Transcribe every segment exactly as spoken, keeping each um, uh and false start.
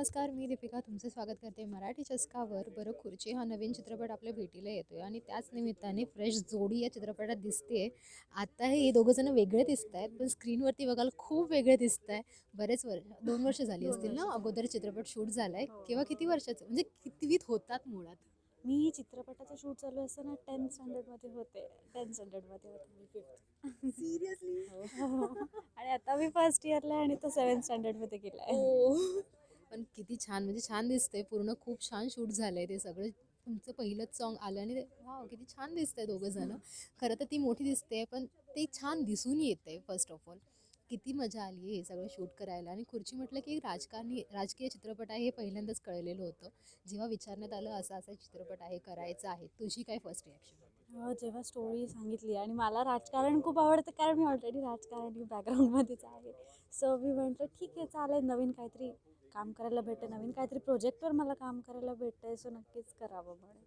नमस्कार, मी दीपिका तुमचं स्वागत करते मराठी चस्कावर. बरं, खुर्ची हा नवीन चित्रपट आपल्या भेटीला येतोय आणि त्याच निमित्ताने फ्रेश जोडी या चित्रपटात दिसते. आता हे दोघं जण वेगळे दिसत आहेत, पण स्क्रीनवरती बघायला खूप वेगळे दिसत आहे. बरेच वर्ष दोन वर्ष झाली दोन असतील वर्ष ना झाली. अगोदर चित्रपट शूट झालाय. हो. किंवा किती वर्षाचं म्हणजे कितवीत होतात मुळात? मी चित्रपटाचं शूट चालू असताना टेन्थ स्टँडर्डमध्ये होते. टेन्थ स्टँडर्डमध्ये होते मी फिफ्थ. सिरियसली? हो. आणि आता मी फर्स्ट इयरला आहे आणि तो सेवन्थ स्टँडर्डमध्ये गेला आहे. ओ पण किती छान, म्हणजे छान दिसतंय. पूर्ण खूप छान शूट झालंय ते सगळं. तुमचं पहिलंच सॉन्ग आलं आणि वाव किती छान दिसतंय दोघं जण. खरं तर ती मोठी दिसते पण ते छान दिसून येते. फर्स्ट ऑफ ऑल किती मजा आली हे सगळं शूट करायला. आणि खुर्ची म्हटलं की राजकारणी राजकीय चित्रपट आहे हे पहिल्यांदाच कळलेलं होतं. जेव्हा विचारण्यात आलं असा असा चित्रपट आहे, करायचा आहे, तुझी काय फर्स्ट रिॲक्शन? हो, जेव्हा स्टोरी सांगितली आणि मला राजकारण खूप आवडतं कारण मी ऑलरेडी राजकारणी बॅकग्राऊंडमध्येच आहे. सो मी म्हटलं ठीक आहे चालेल, नवीन काहीतरी काम करायला भेटतं, नवीन काहीतरी प्रोजेक्टवर मला काम करायला भेटतं आहे, सो नक्कीच करावं म्हणून.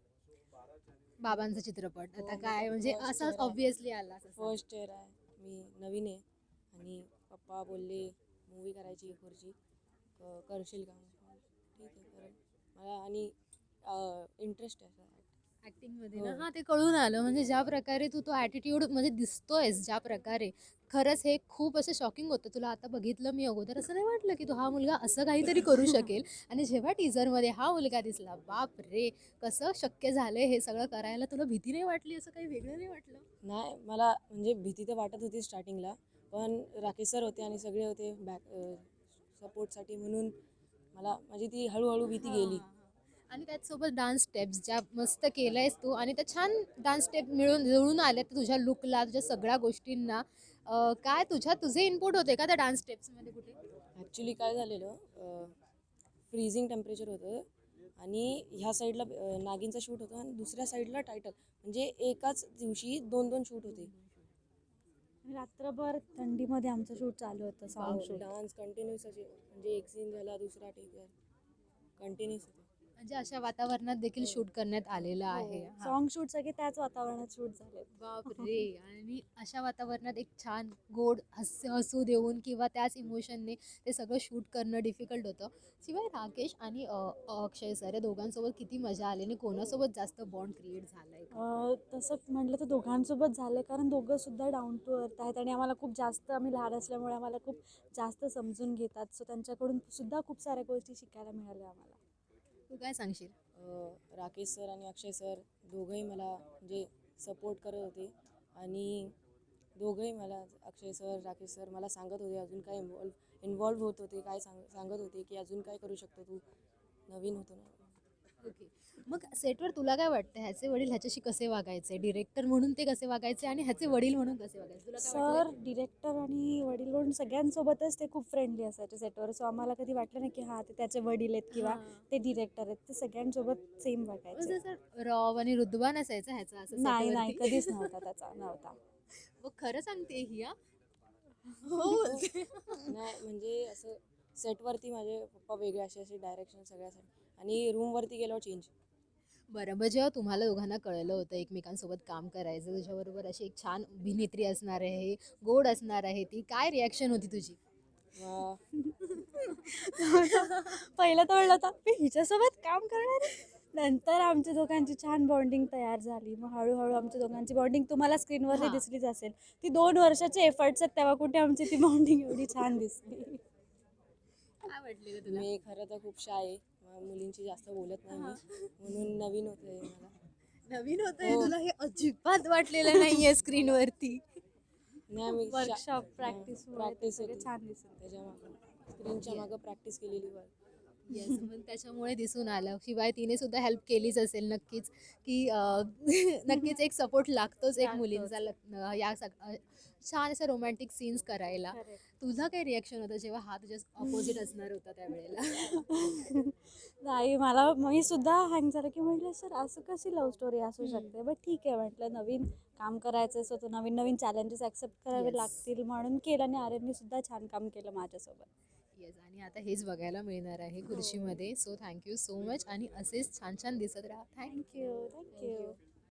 बाबांचा चित्रपट हो, आता माझा काय म्हणजे फर्स्ट असाच इयर आहे. ऑब्व्हियसली आला असं फर्स्ट इयर आहे, मी नवीन आहे आणि पप्पा बोलले मूवी करायची खुर्ची, क करशील का? ठीक आहे करेल मला आणि इंटरेस्ट आहे असं ॲक्टिंगमध्ये ना. हो. हां, ते कळून आलं. म्हणजे ज्या प्रकारे तू तो ॲटिट्यूड म्हणजे दिसतोयस ज्या प्रकारे, खरंच हे खूप असं शॉकिंग होतं. तुला आता बघितलं मी अगोदर असं नाही वाटलं की तो हा मुलगा असं काहीतरी करू शकेल. आणि जेव्हा टीझरमध्ये हा मुलगा दिसला, बाप रे! कसं शक्य झालंय हे सगळं करायला? तुला भीती नाही वाटली? असं काही वेगळं नाही वाटलं? नाही, मला म्हणजे भीती तर वाटत होती स्टार्टिंगला, पण राकेश सर होते आणि सगळे होते बॅक सपोर्टसाठी, म्हणून मला माझी ती हळूहळू भीती हां, गेली. हां. आणि त्याचसोबत डान्स स्टेप्स ज्या मस्त केल्यायस तू आणि त्या छान डान्स स्टेप मिळून जुळून आल्या तुझ्या लुकला, तुझ्या सगळ्या गोष्टींना. अ, काय तुझ्या तुझे इनपुट होते का त्या डान्स स्टेप्समध्ये कुठे? ॲक्च्युली काय झालेलं, फ्रीझिंग टेम्परेचर होतं आणि ह्या साईडला अ, नागिनचा शूट होता आणि दुसऱ्या साईडला टायटल, म्हणजे एकाच दिवशी दोन दोन शूट होते. रात्रभर थंडीमध्ये आमचं शूट चालू होतं, सॉन्ग शूट. डान्स कंटिन्यूस असे, म्हणजे एक सीन झाला दुसरा टेकवर कंटिन्यूस होतं. म्हणजे अशा वातावरणात देखील शूट करण्यात आलेलं आहे. हो, हां. सॉन्ग शूट सगळे त्याच वातावरणात शूट झाले. बापरे! आणि अशा वातावरणात एक छान गोड हास्य हसू देऊन किंवा त्याच इमोशनने ते सगळं शूट करणं डिफिकल्ट होतं. शिवाय राकेश आणि अ, अक्षय सर या दोघांसोबत किती मजा आली आणि कोणासोबत जास्त बॉन्ड क्रिएट झालाय का? अ, तसं म्हटलं तर दोघांसोबत झालं, कारण दोघं सुद्धा डाऊन टू अर्थ आहेत आणि आम्हाला खूप जास्त, आम्ही लहान असल्यामुळे आम्हाला खूप जास्त समजून घेतात. सो त्यांच्याकडून सुद्धा खूप साऱ्या गोष्टी शिकायला मिळाल्या आम्हाला. तू काय सांगशील? अ, राकेश सर आणि अक्षय सर दोघंही मला म्हणजे सपोर्ट करत होते आणि दोघंही मला, अक्षय सर राकेश सर मला सांगत होते अजून काय इन्वॉल्व इन्वॉल्व होत होते, काय सांग सांगत होते की अजून काय करू शकतो तू, नवीन होतो ना. ओके. मग सेटवर तुला काय वाटतं ह्याचे वडील ह्याच्याशी कसे वागायचे? डिरेक्टर म्हणून ते कसे वागायचे आणि ह्याचे वडील म्हणून कसे वागायचे? तुला काय वाटलंय? सर, डिरेक्टर आणि वडील म्हणून सगळ्यांसोबतच ते खूप फ्रेंडली असायचे सेटवर. सो आम्हाला कधी वाटलं नाही की हां ते त्याचे वडील आहेत किंवा हां. ते डिरेक्टर आहेत. ते सगळ्यांसोबत सेम वागायचे. म्हणजे असं रॉब आणि रुतबा नसायचा ह्याचा असं नाही नाही, सेटवरती? कधीच नव्हता त्याचा, नव्हता. मग खरं सांगते ही हां? हो बोलते. नाही म्हणजे असं सेटवरती माझे पप्पा वेगळे, असे असे डायरेक्शन सगळ्यासाठी, आणि रूमवरती गेल्यावर चेंज. बरं, मग जेव्हा तुम्हाला दोघांना कळलं होतं एकमेकांसोबत काम करायचं, तुझ्याबरोबर अशी एक छान अभिनेत्री असणार आहे, गोड असणार आहे ती, काय रिॲक्शन होती तुझी? पहिलं तर म्हणलं होतं मी हिच्यासोबत काम करणार आहे. नंतर आमच्या दोघांची छान बॉन्डिंग तयार झाली. मग हळूहळू आमच्या दोघांची बॉन्डिंग तुम्हाला स्क्रीनवरती हां. दिसलीच असेल. ती दोन वर्षाचे एफर्ट्स आहेत, तेव्हा कुठे आमची ती बॉन्डिंग एवढी छान दिसली. काय वाटलेलं तुला? मी खरं तर खूप शाय आहे, म- मुलींची जास्त बोलत नाही मी, म्हणून नवीन होतं मला. नवीन होतंय हो. तुला हे अजिबात वाटलेलं नाहीये स्क्रीनवरती. नाही, मी वर्कशॉप प्रॅक्टिस प्रॅक्टिस सगळे होती छान दिसत. त्याच्या मागं, स्क्रीनच्या मागं प्रॅक्टिस केलेली वर. येस, मग त्याच्यामुळे दिसून आलं. शिवाय तिने सुद्धा हेल्प केलीच असेल नक्कीच, की अ, नक्कीच एक सपोर्ट लागतोच एक मुलींचा लागतोच. लग्न या सग अ, छान असे रोमॅन्टिक सीन्स करायला. करेक्ट. तुझं काय रिॲक्शन होतं जेव्हा हा तुझ्या अपोजिट असणार होता त्यावेळेला? नाही, मला मी सुद्धा हँग झालं की म्हटलं सर असं कशी लव्ह स्टोरी असू शकते, बट ठीक आहे म्हटलं, नवीन काम करायचं असं, तो नवीन नवीन चॅलेंजेस ॲक्सेप्ट करावे येस. लागतील म्हणून केलं आणि आर्यनने सुद्धा छान काम केलं माझ्यासोबत. येस, आणि आता हेच बघायला मिळणार आहे खुर्शीमध्ये. सो थँक्यू सो मच आणि असेच छान छान दिसत राहा. थँक्यू. Thank you thank you.